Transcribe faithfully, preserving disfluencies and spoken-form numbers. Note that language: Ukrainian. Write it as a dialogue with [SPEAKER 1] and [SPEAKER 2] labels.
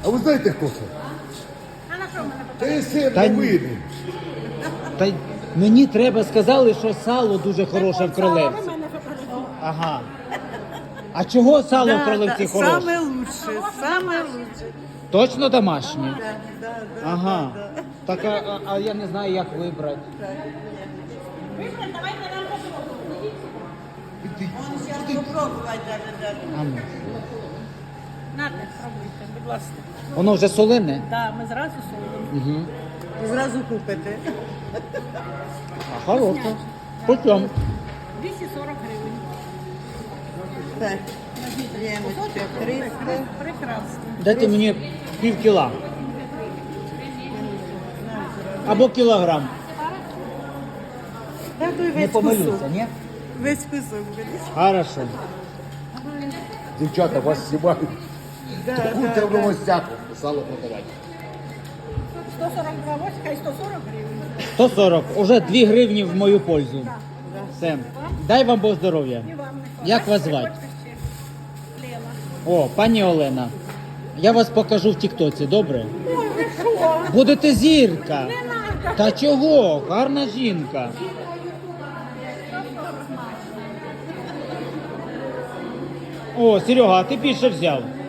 [SPEAKER 1] А ви знаєте, хто це?
[SPEAKER 2] А на що мене
[SPEAKER 1] Це є син
[SPEAKER 3] Та ні.
[SPEAKER 1] новини.
[SPEAKER 3] Та й мені треба сказали, що сало дуже хороше в Кролевці.
[SPEAKER 2] Ви мене фотографуєте.
[SPEAKER 3] Ага. А чого сало в Кролевці хороше?
[SPEAKER 4] Саме лучше, саме лучше.
[SPEAKER 3] Точно домашнє?
[SPEAKER 4] Да, да, да,
[SPEAKER 3] Ага.
[SPEAKER 4] да, да.
[SPEAKER 3] Так, а, а- а я не знаю, як вибрати.
[SPEAKER 2] Вибрати, давайте нам попробуємо.
[SPEAKER 4] Он сейчас попробовать даже, даже.
[SPEAKER 3] А ну.
[SPEAKER 2] Нате, пробуйте, будь ласка.
[SPEAKER 3] Воно вже солене?
[SPEAKER 2] Да, ми зразу солимо.
[SPEAKER 3] Угу.
[SPEAKER 4] І зразу купите.
[SPEAKER 3] А хороше. По чому?
[SPEAKER 2] двісті сорок гривень.
[SPEAKER 4] Так, Леночка, триста.
[SPEAKER 2] Прекрасно.
[SPEAKER 3] Дайте мені пів кіла. Або кілограм.
[SPEAKER 4] Так, той
[SPEAKER 3] Не
[SPEAKER 4] весь
[SPEAKER 3] помилюся,
[SPEAKER 4] кусок.
[SPEAKER 3] ні?
[SPEAKER 4] Весь кусок беріть.
[SPEAKER 3] Хорошо.
[SPEAKER 1] Дівчата вас знімають.
[SPEAKER 4] Да,
[SPEAKER 1] Курте
[SPEAKER 4] да,
[SPEAKER 1] в
[SPEAKER 4] да.
[SPEAKER 1] новостях сало продавати.
[SPEAKER 2] сто сорок два, ось хай сто сорок гривень.
[SPEAKER 3] сто сорок. Уже дві гривні в мою пользу. Все. Дай вам Бог здоров'я.
[SPEAKER 2] І вам не
[SPEAKER 3] Як вас
[SPEAKER 2] хватає?
[SPEAKER 3] звати?
[SPEAKER 2] Хочете ще? Лена.
[SPEAKER 3] О, пані Олена. Я вас покажу в Тіктоці, добре?
[SPEAKER 2] Ой, ви що?
[SPEAKER 3] Будете зірка.
[SPEAKER 2] Не надо.
[SPEAKER 3] Та чого? Гарна жінка. О, Серега, а ти більше взяв.